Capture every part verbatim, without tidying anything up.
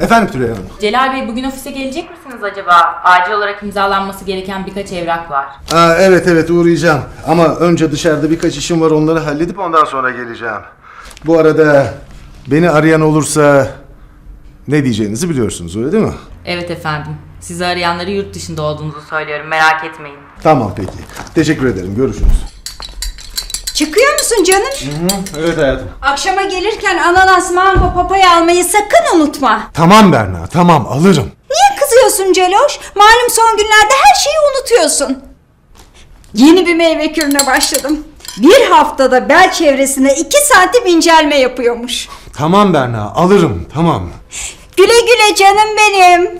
Efendim Tülay Hanım. Celal Bey, bugün ofise gelecek misiniz acaba? Acil olarak imzalanması gereken birkaç evrak var. Aa, evet evet uğrayacağım. Ama önce dışarıda birkaç işim var, onları halledip ondan sonra geleceğim. Bu arada beni arayan olursa ne diyeceğinizi biliyorsunuz, öyle değil mi? Evet efendim. Sizi arayanları yurt dışında olduğunuzu söylüyorum. Merak etmeyin. Tamam peki. Teşekkür ederim. Görüşürüz. Çıkıyor musun canım? Hı hı, evet hayatım. Akşama gelirken ananas, mango, papaya almayı sakın unutma. Tamam Berna, tamam alırım. Niye kızıyorsun Celoş? Malum son günlerde her şeyi unutuyorsun. Yeni bir meyve kürüne başladım. Bir haftada bel çevresine iki santim incelme yapıyormuş. Tamam Berna, alırım, tamam. Güle güle canım benim.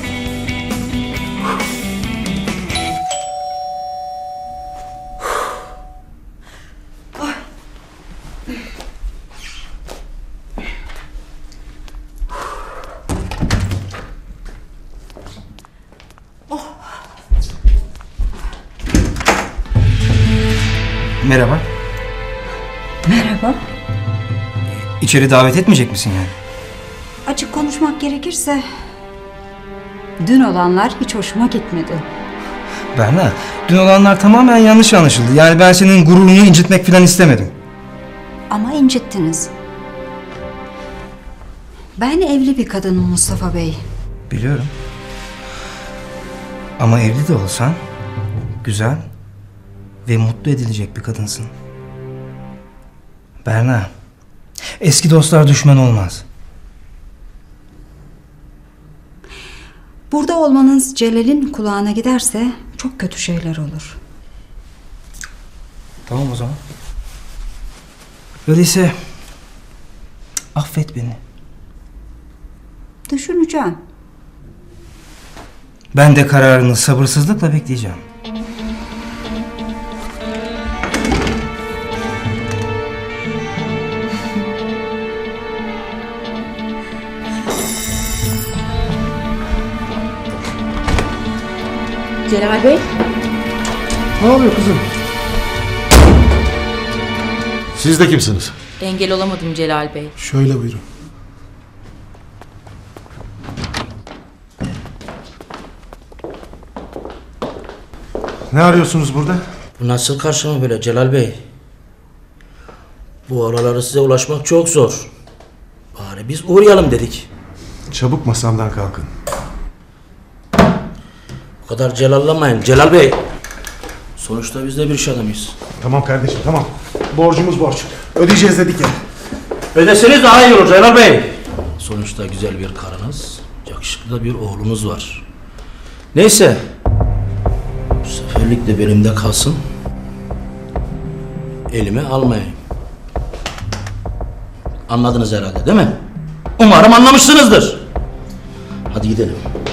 Merhaba. Merhaba. İçeri davet etmeyecek misin yani? Açık konuşmak gerekirse dün olanlar hiç hoşuma gitmedi. Berna, dün olanlar tamamen yanlış anlaşıldı. Yani ben senin gururunu incitmek falan istemedim. Ama incittiniz. Ben evli bir kadınım Mustafa Bey. Biliyorum. Ama evli de olsan güzel ve mutlu edilecek bir kadınsın. Berna, eski dostlar düşman olmaz. Burada olmanız Celal'in kulağına giderse çok kötü şeyler olur. Tamam o zaman. Öyleyse affet beni. Düşüneceğim. Ben de kararını sabırsızlıkla bekleyeceğim. Celal Bey. Ne oluyor kızım? Siz de kimsiniz? Engel olamadım Celal Bey. Şöyle buyurun. Ne arıyorsunuz burada? Bu nasıl karşılama böyle Celal Bey? Bu araları size ulaşmak çok zor. Bari biz uğrayalım dedik. Çabuk masamdan kalkın. Bu kadar celallamayın Celal Bey. Sonuçta biz de bir iş adamıyız. Tamam kardeşim, tamam. Borcumuz borç. Ödeyeceğiz dedik ya. Ödeseniz daha iyi olur Celal Bey. Sonuçta güzel bir karınız, yakışıklı da bir oğlunuz var. Neyse. Bu seferlik de belimde kalsın. Elime almayayım. Anladınız herhalde değil mi? Umarım anlamışsınızdır. Hadi gidelim.